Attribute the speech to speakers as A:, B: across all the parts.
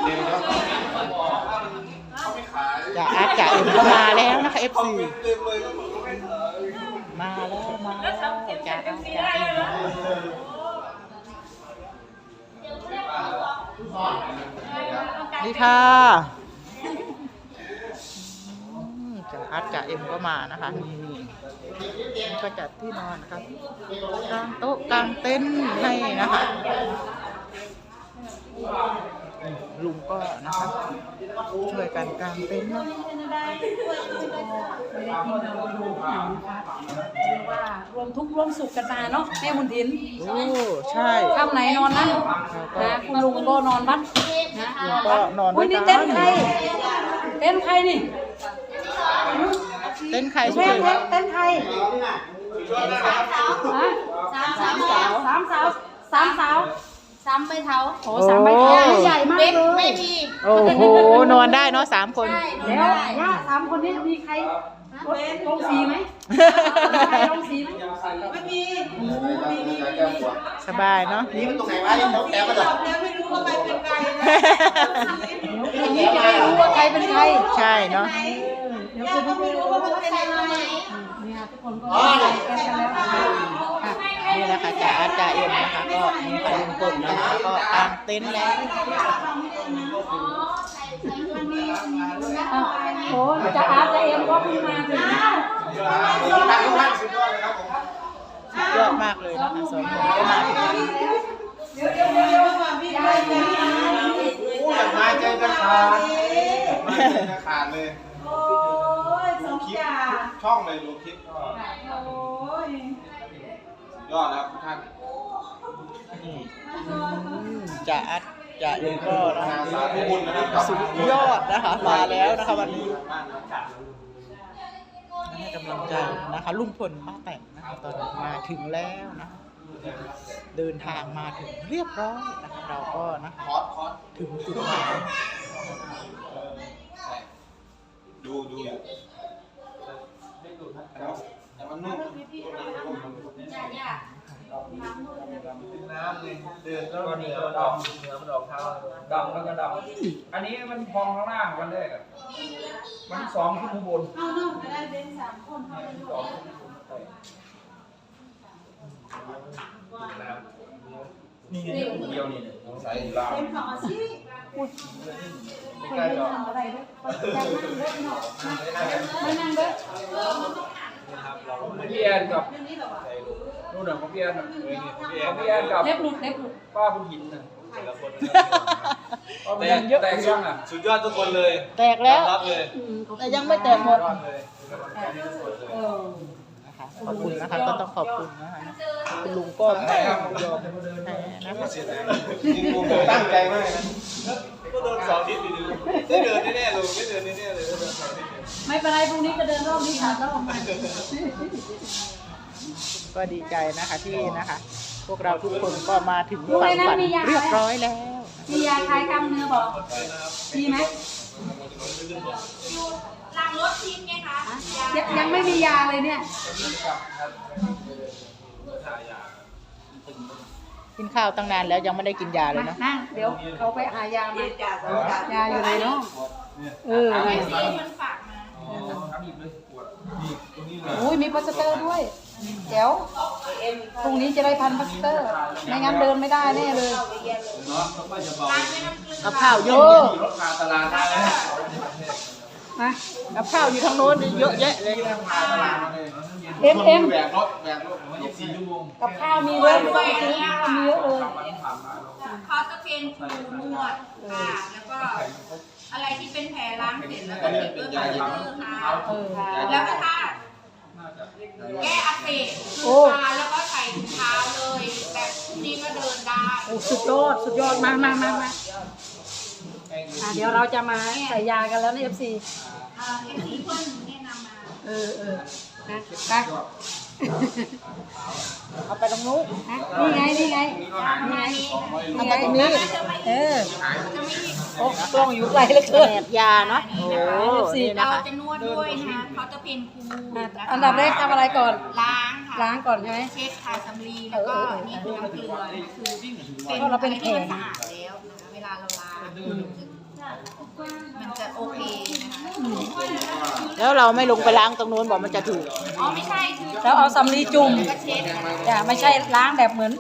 A: จ่าอาร์ตจ่าเอ็มก็มาแล้วนะคะ FC มาแล้วมาแล้วจ่าอาร์ตจ่าเอ็มดีค่ะจ่าอาร์ตจ่าเอ็มก็มานะคะนี่ก็จัดที่นอนนะครับกางโต๊ะกางเต็นท์ให้นะคะลุงก็นะคะช่วยกันกางเต็นท์นะ
B: ว่ารวมทุกข์ร่วมสุขกันมาเนาะแม่บุญถิน
A: โอ้ใช่
B: ค่ำไหนนอนนั่นนะคุณลุงก็นอนวัดนะ
A: ลุงก็นอนด้วยกัน
B: นี่เต้นใครเต้นใครนี่
A: เต้นใคร
B: เต้นเต้นใครสามสาว3ใบเท้าโอ้3ใบเท้าใหญ่มากเลยไม่มี
A: โอ้โหนอนได้เนาะ3 คน
B: แล้วย่า3 คนนี้มีใครลงสีไหมใครลงสีไหมไม่มี
A: สบายเนาะ
C: นี่มันตรงไหนวะยังแถมมาหรอ
B: ไม่รู้ว่าใครเป็นใครอย่างนี้จะไม่รู้ว่าใครเป็นใคร
A: ใช่เนาะ
B: เดี๋ยวคุณไม่รู้ว่ามันเป็นอะไรเนี่ยทุกคนก็กันแล้ว
A: นี่แหละค่ะจ่าอาร์ตจ่าเอ็มนะคะก็มีค่ะลุงพลนะคะก็กางเต็นท์แล้ว
B: โอ้จ่าอาร์ตจ่าเอ็มก็เพิ่งมาถึง
A: สุดยอดมากเลยนะคะ2 คนก็มาถึง
C: มาใจจะขาดมาใจจะขาดเลยดูคลิปช่องเลยดูคลิปยอดครับทุกท่าน
A: จ่าอาร์ตจ่าเอ็มก็สุดยอดนะคะมาแล้วนะคะวันนี้ให้กำลังใจนะคะลุงพลป้าแตนนะคะตอนนี้มาถึงแล้วนะเดินทางมาถึงเรียบร้อยนะคะเราก็นะคะถึงจุดหมาย
C: ดูแต่มันนุ่มน้ำเลยเดินก็เหนือมันออกเท้า
D: ดำแล้วก็ดำอันนี้มันพองข้างล่างวันแรกอ่ะมัน2ขึ้นข้างบน
B: เอาเนาะได้เป็น3 คน
D: นี่เดียวนี่ใส่ลาว
B: เป็นของอาชีพคนไม่ทำอะไรด้วยไม่นั่งด้วย
D: พี่แอนกับนู่นน่ะของพี่แอนกับ
B: เล็บหลุด
D: ป้าบุญหินน่ะแตกยังอ่ะ
C: สุดยอดทุกคนเลย
A: แตกแล้ว
C: รับเลย
A: แต่ยังไม่แตกหมดขอบคุณนะคะก็ต้องขอบคุณนะคะคุณลุงก็ไม่ยอมแพ้นะคะ
C: จริงๆผมตั้งใจมากนะก็เดิน2 ทิศดีๆได้เดินแน่ๆเลยไม่เดินแน่ๆเลย
B: ไม่เป็นไรพรุ่งนี้จะเดินรอบนี้3 รอบ
A: ก็ดีใจนะคะที่นะคะพวกเราทุกคนก็มาถึงฝั่งฝันเรียบร้อยแล้ว
B: มียาคลายกล้ามเนื้อบอกมีไหม
E: หลังรถทิ้งไงคะ
B: ยังไม่มียาเลยเนี่ย
A: กินข้าวตั้งนานแล้วยังไม่ได้กินยาเลยนะ
B: นั่งเดี๋ยวเขาไปหายามายาอยู่ไหนเนาะ
E: มันฝากมา
B: โอ้ยมีพลาสเตอร์ด้วยเดี๋ยวพรุ่งนี้จะได้พันพลาสเตอร์ไม่งั้นเดินไม่ได้แน่เลย
A: กับข้าวเยอะ
B: นะ
A: กับข้าวอยู่ทางโน้นเยอะแยะเลย
B: เอ็ม
C: แบกรถ24 ชั่วโมง
B: กับข้าวมีเยอะด้วยมีเยอะเลย
E: เขาจะเป็นครูนวดค่ะแล้วก็อะไรที่เป็นแผลล้างเสร็จแล้วก็เป็นยาล้างค่ะแล้วก็ถ้าแก้อักเสบแล้วก็ใส่ถุงเท้าเลยแบบนี้ก็เดินได้
B: โอ้สุดยอดมาเดี๋ยวเราจะมาใส่ยากันแล้วใน FC
E: เพื่อนแนะนำมา
B: นะไป
A: เอาไปตรงนู้น
B: นี่ไง
A: เอาไปตรงนี้
B: โอ้กล้องอยู่ไกลเหลือเกิน
A: แบบยาเนาะโอ้
E: เราจะนวดด้วยนะคะเขาจะเป็นครู
B: อันดับแรกทำอะไรก่อน
E: ล้าง
B: ก่อนใช่ไหม
E: เช็คทาสำลีแล้วก็นี่คือน้ำเกลือคือ
B: เราเป็นแผล
E: สะอาดแล้วนะคะเววลาเราล้างมันจะโอเคนะคะ
A: แล้วเราไม่ลงไปล้างตรงนู้นบอกมันจะถูก
E: อ๋อไม่ใช่คือ
B: แล้วเอาสำลีจุ่ม
E: ก็เช็ด
B: อย่าไม่ใช่ล้างแบบเหมือน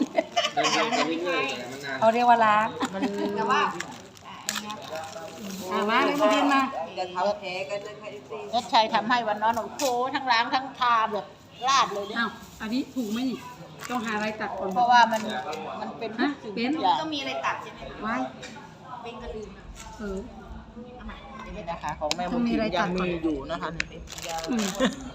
B: เขาเรียกว่าล้าง
E: แต่ว่า
B: มาเลยมาดินมา
A: เน็ตชัยทำให้วันนั้นโอ้โหทั้งล้างทั้งทาแบบราดเลยเนี่ย
B: อ้าวอันนี้ถูกไหมนี่ ต้องหาอะไรตัดก่อน
A: เพราะว่ามันเป็นทุกสิ่ง
B: เป็น
A: ทุกอย่าง
E: ก็มีอะไรตัดใช่ไหม
B: ไว้
E: เป็นกระลืมอะ
B: เออ
A: นี่นะคะของแม่บุญถิ่นยังมีอยู่นะคะ
B: อืม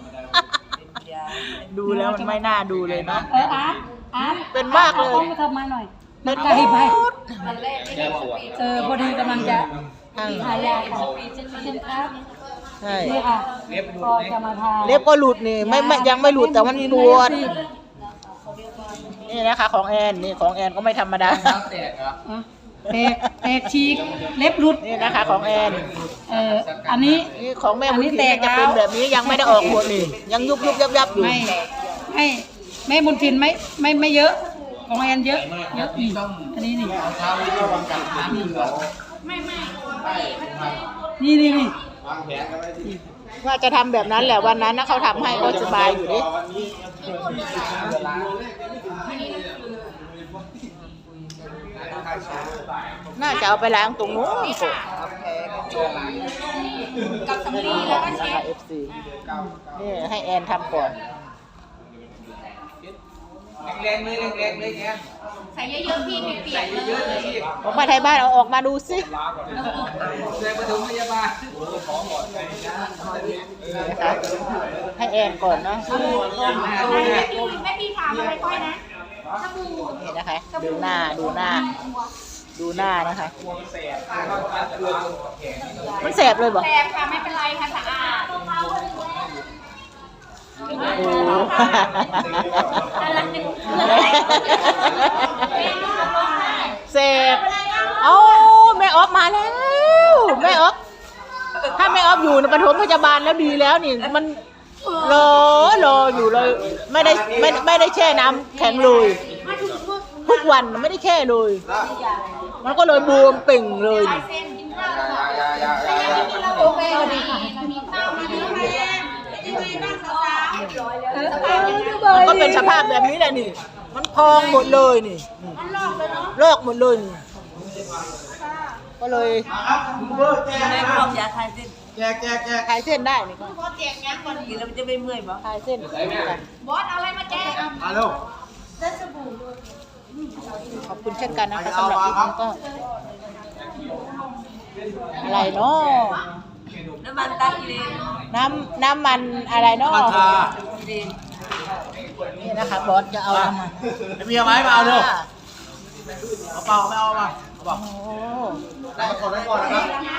A: ดูแล้วมันไม่น่าดูเลยเนาะ
B: อาร์ต
A: เป็นมากเลย
B: อไปทำมาหน่อย
A: เป็น
B: ไกลไป
E: ตอนแรกไม่ได้บอกเป็น
B: พอดีกำลังจะ
A: ใช่
B: ทายาค่ะเช่นครับ
A: ใช่
B: นี่ค่ะก็จะมาทา
A: เล็บก็หลุดนี่ไม่ยังไม่หลุดแต่มันปวดนี่นะคะของแอนนี่ของแอนก็ไม่ธรรมดา
D: แตกเหรอ
B: อ่ะแตกฉีกเล็บหลุด
A: นี่นะคะของแอน
B: อันนี้
A: นี่ของแม่บุญ
B: อันนี้
A: ถิ่
B: แต
A: น
B: ก
A: จะ
B: แล้ว
A: เป็นแบบนี้ยังไม่ได้ออกหัวนี่ยังยุบยับอยู่
B: ไม่แม่บุญทินไม่เยอะ ของแอนเยอะนี่อันนี้นี่
C: เช้านี้ระวังกันน้ำเหลือ
E: ไม่
B: นี่
C: วางแผนกันไว้ที่
A: ว่าจะทำแบบนั้นแหละวันนั้นนะเขาทำให้ก็สบายอยู่ดิ
C: วันนี้
A: น่าจะเอาไปล้างตรงนู้น
E: กับสำลีแล้วก็เช็ด
A: FC นี่ให้แอนทำก่อน
D: แรงๆเลยแรงๆเลยแก
E: ใส่เยอะๆพี่ไม่เปียกเลย
A: ของมาไทยบ้านเอาออกมาดูสิ
D: เลยมาถึงพยาบาล
A: นะคะให้แอนก่อนเนาะ
E: แม่พี่ถามอะไรก้อยนะสบู่
A: นี่นะคะดูหน้านะคะ มันแสบเลยบอก
E: แสบค่ะไม่เป็นไรค่ะสะอาด
A: โอ้แสบเอาแม่ออฟมาแล้วแม่ออฟถ้าแม่ออฟอยู่ในปฐมพยาบาลแล้วดีแล้วนี่มันรออยู่เลยไม่ได้แช่น้ำแข็งเลยทุกวันไม่ได้แช่เลย มันก็เลยบวมเป่งเลยนี่
E: เส้นกินข้าวกินเราโอเคดีค่ะมีข้าวมาเยอะแม่เป็นยังไงบ้างสาวๆ
A: มันก็เป็นสภาพแบบนี้แหละนี่ มันพองหมดเลยนี่
E: มันลอกเลยเนาะ
A: ลอกหมดเลยนี่ก็เลย
C: ครับเบอร์แจกนะครับ
B: ยาคลายเส้น
C: แจก
A: คลายเส้นได้นี่ก็
E: พอแจกยังก่อน
B: กินแล้วมันจะไม่เมื่อยมั้ง
A: คลายเส้น
E: บอสเอาอะไรมาแจก
C: มาเร็ว
A: ขอบคุณเช่นกันนะคะสำหรับคลิปนี้ก็อะไรเนาะ
B: น้ำมันตากิเลน
A: น้ำมันอะไรเนาะ
C: มาทา
A: นี่นะคะบอสจะเอาน้ำมัน
C: เมียไหมมาเอาเร็วเอาเปล่าไม่เอามาเอาเปล่า
A: โอ้
C: ได้ก่อนนะครับ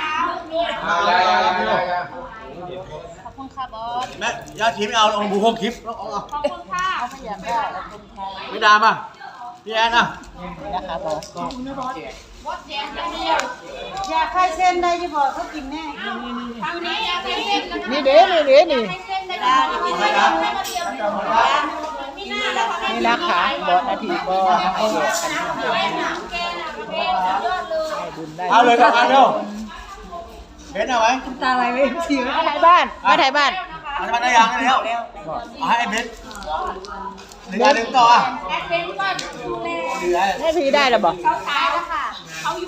A: ขอบคุณค่ะบอส
C: แม่ยาชีไม่เอาเอาบูโฮคลิปเอา
E: ขอบคุณค่ะ
A: ไม่อยากได้ขอบคุณค่ะ
C: ไม่ดามาพี่แอนอ่ะ
A: นี่นะคะบอส
E: บอสแจกอย่างเดียวย
B: าคลายเส้นได้ที่บอกเขากินแน่
E: ทางนี้อยากให้เส้นกัน
A: นี่เด้นี่
E: ให้เส้นได้ดีไม่ได้ไม่มาเดียวมีหน้าแล้วค่ะ
A: นี่นะคะบอสนาทีก็ให้แยกกันทำบุญ
E: แกน่ะแกสุดยอดเลย
A: ให้บุญได้
C: เอาเลยครับเอาเร็วเบนเอาไว้
B: ตาอะไรไว้เสีย
A: มาถ่ายบ้านมาถ่ายบ้าน
C: เอามาได้ยังได้แล้วเอาให้เบนหนึ่งต่ออ่ะ
E: แอดเป็นก็ดูแล
C: เหลือ
A: ให้พี่ได้หรอบอก
E: เขาขายแล้วค่ะเขาอยู่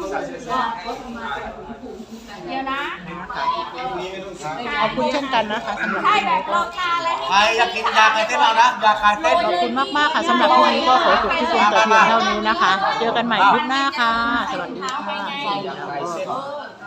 E: เดี๋ยวนะ
A: ขอบคุณเช่นกันนะคะสำหรับ
E: ใช่
A: คลิป
E: แบ
A: นี้
E: บ
A: ก็
E: รอคาแล้ว
C: ใครอยากกินยาคลายเส้นเอานะยาคลายเส้น
A: ขอบคุณมากๆค่ะสำหรับคลิปนี้ก็ขอจบที่เพียงแต่เพียงเท่านี้นะคะ เจอกันใหม่คลิปหน้าค่ะ สวัสดีค่ะ